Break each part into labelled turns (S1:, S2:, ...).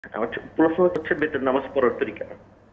S1: আমার প্রশ্ন হচ্ছে বেতের নামাজ পড়ার তরিকা।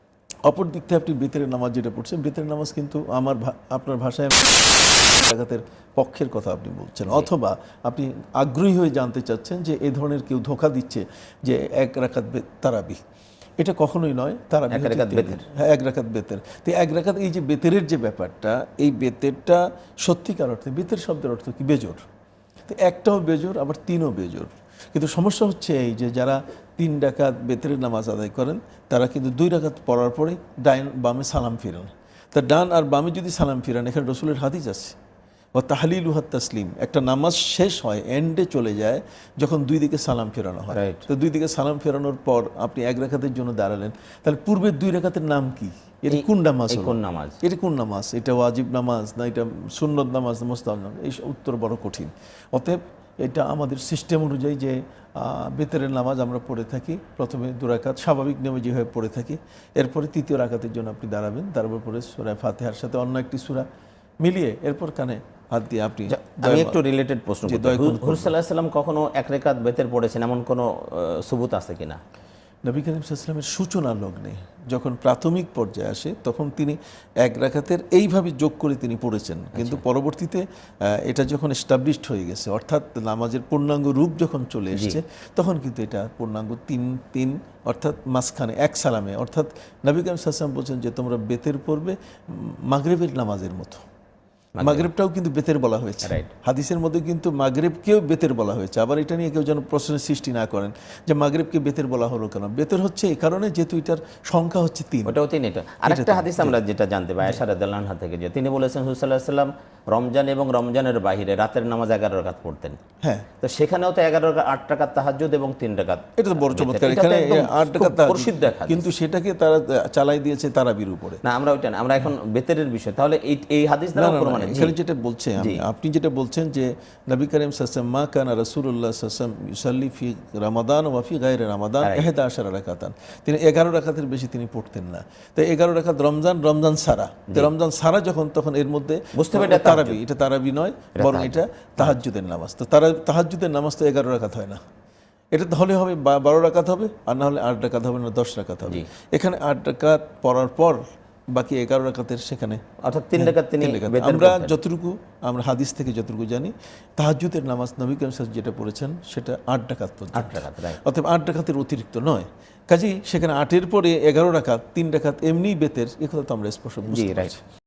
S2: অপর দিক থেকে আপনি বেতের নামাজ যেটা পড়ছেন, বেতের নামাজ কিন্তু আপনার ভাষায় জাগাতের পক্ষের কথা আপনি বলছেন, অথবা আপনি আগ্রহী হয়ে জানতে চাচ্ছেন যে এই ধরনের কেউ ধোঁকা দিচ্ছে যে এক রাকাত তারাবি। এটা কখনোই নয়। তারাবি হ্যাঁ, এক রাকাত বেতের। তো এক রাকাত, এই যে বেতেরের যে ব্যাপারটা, এই বেতেরটা সত্যিকার অর্থে বেতের শব্দের অর্থ কি? বেজোর। তো একটাও বেজোর, আবার তিনও বেজোর। কিন্তু সমস্যা হচ্ছে এই যে যারা 3 রাকাত বেতেরের নামাজ আদায় করেন, তারা কিন্তু 2 রাকাত পড়ার পরে ডাইন বামে সালাম ফিরান। তা ডান আর বামে যদি সালাম ফিরান, এখানে রসুলের হাদিস আছে, ও তাহলিলুহাত তাসলিম। একটা নামাজ শেষ হয়, এন্ডে চলে যায় যখন 2 দিকে সালাম ফেরানো হয়। তো 2 দিকে সালাম ফেরানোর পর আপনি 1 রাকাতের জন্য দাঁড়ালেন, তাহলে পূর্বের 2 রাকাতের নাম কি? এটা কোন নামাজ? এটা কোন নামাজ? এটা ওয়াজিব নামাজ না এটা সুন্নত নামাজ না মুস্তাহাব নামাজ? এই উত্তর বড় কঠিন। অতএব এটা আমাদের সিস্টেম অনুযায়ী যে বেতেরের নামাজ আমরা পড়ে থাকি, প্রথমে 2 রাকাত স্বাভাবিক নিয়মে যেভাবে পড়ে থাকি, এরপরে 3য় রাকাতের জন্য আপনি দাঁড়াবেন, তারপর পরে সূরা ফাতিহার সাথে অন্য একটি সূরা মিলিয়ে এরপর কানে হাত দিয়ে আপনি।
S3: আমি একটু রিলেটেড প্রশ্ন করতে, হুজুর সাল্লাল্লাহু আলাইহি সাল্লাম কখনো 1 রাকাত বেতের পড়েছেন এমন কোনো সুবুত আছে কিনা?
S2: নবী করিম সাল্লাল্লাহু আলাইহি ওয়াসাল্লামের সূচনা লগ্নে যখন প্রাথমিক পর্যায়ে আসে, তখন তিনি 1 রাকাতের এইভাবে যোগ করে তিনি পড়েছেন। কিন্তু পরবর্তীতে এটা যখন এস্টাবলিশড হয়ে গেছে, অর্থাৎ নামাজের পূর্ণাঙ্গ রূপ যখন চলে এসেছে, তখন কিন্তু এটা পূর্ণাঙ্গ 3-3, অর্থাৎ মাঝখানে 1 সালামে। অর্থাৎ নবী করিম সাল্লাল্লাহু আলাইহি ওয়াসাল্লাম বলছেন যে তোমরা বেতের পড়বে মাগরিবের নামাজের মতো। মাগরিবটাও কিন্তু বেতের বলা হয়েছে, হাদিসের মধ্যে কিন্তু মাগরিবকেও বেতের বলা হয়েছে। আবার এটা নিয়ে কেউ যেন প্রশ্নের সৃষ্টি না করেন যে মাগরিবকে বেতের বলা হলো কেন। বেতের হচ্ছে এই কারণে যেহেতু এটার সংখ্যা হচ্ছে 3।
S3: ওটাও 3। এটা আরেকটা হাদিস আমরা যেটা জানতে পাই আয়েশা রাদিয়াল্লাহু আনহা থেকে, যে তিনি বলেছেন হুজুর সাল্লাল্লাহু আলাইহি সাল্লাম রমজান এবং রমজানের বাইরে রাতের নামাজ 11 রাকাত পড়তেন।
S2: হ্যাঁ,
S3: তো সেখানেও তো 11 রাকাত, 8 রাকাত তাহাজ্জুদ এবং 3 রাকাত।
S2: এটা তো বড় চমৎকার। এখানে 8 রাকাত প্রসিদ্ধ, কিন্তু সেটাকে তারা চালাই দিয়েছে তারাবির উপরে।
S3: না, আমরা ওইটা না, আমরা এখন বেতেরের বিষয়। তাহলে এই হাদিস দ্বারা প্রমাণ
S2: এখানে যেটা বলছে, আপনি যেটা বলছেন যে নবী করিম সাল্লাল্লাহু আলাইহি ওয়াসাল্লাম মা কানা রাসূলুল্লাহ সাল্লাল্লাহু আলাইহি ওয়াসাল্লাম ইউসাল্লি ফি রমাদান ওয়া ফি গায়রি রমাদান 11 রাকাতান। তিনি 11 রাকাতের বেশি তিনি পড়তেন না। তো 11 রাকাত রমজান সারা। তো রমজান সারা যখন, তখন এর মধ্যে
S3: বুঝতে হবে এটা
S2: তারাবি। এটা তারাবি নয়, বরং এটা তাহাজ্জুদের নামাজ। তো তাহাজ্জুদের নামাজ তো 11 রাকাত হয় না। এটা তাহলে হবে 12 রাকাত হবে, আর না হলে 8 রাকাত হবে, না 10 রাকাত হবে। এখানে 8 রাকাত পড়ার পর বাকি 11 রাকাতের সেখানে,
S3: অর্থাৎ 3 রাকাত তিনি
S2: আমরা যতটুকু আমরা হাদিস থেকে যতটুকু জানি, তাহাজ্জুদের নামাজ নবী করিম সাল্লাল্লাহু আলাইহি ওয়াসাল্লাম যেটা পড়েছেন সেটা 8 রাকাত পর্যন্ত।
S3: 8 রাকাত,
S2: অতএব 8 রাকাতের অতিরিক্ত নয়। কাজেই সেখানে 8-এর পরে 11 রাকাত, 3 রাকাত এমনি বেতের, এ কথা তো আমরা স্পষ্ট বুঝতে পারছি।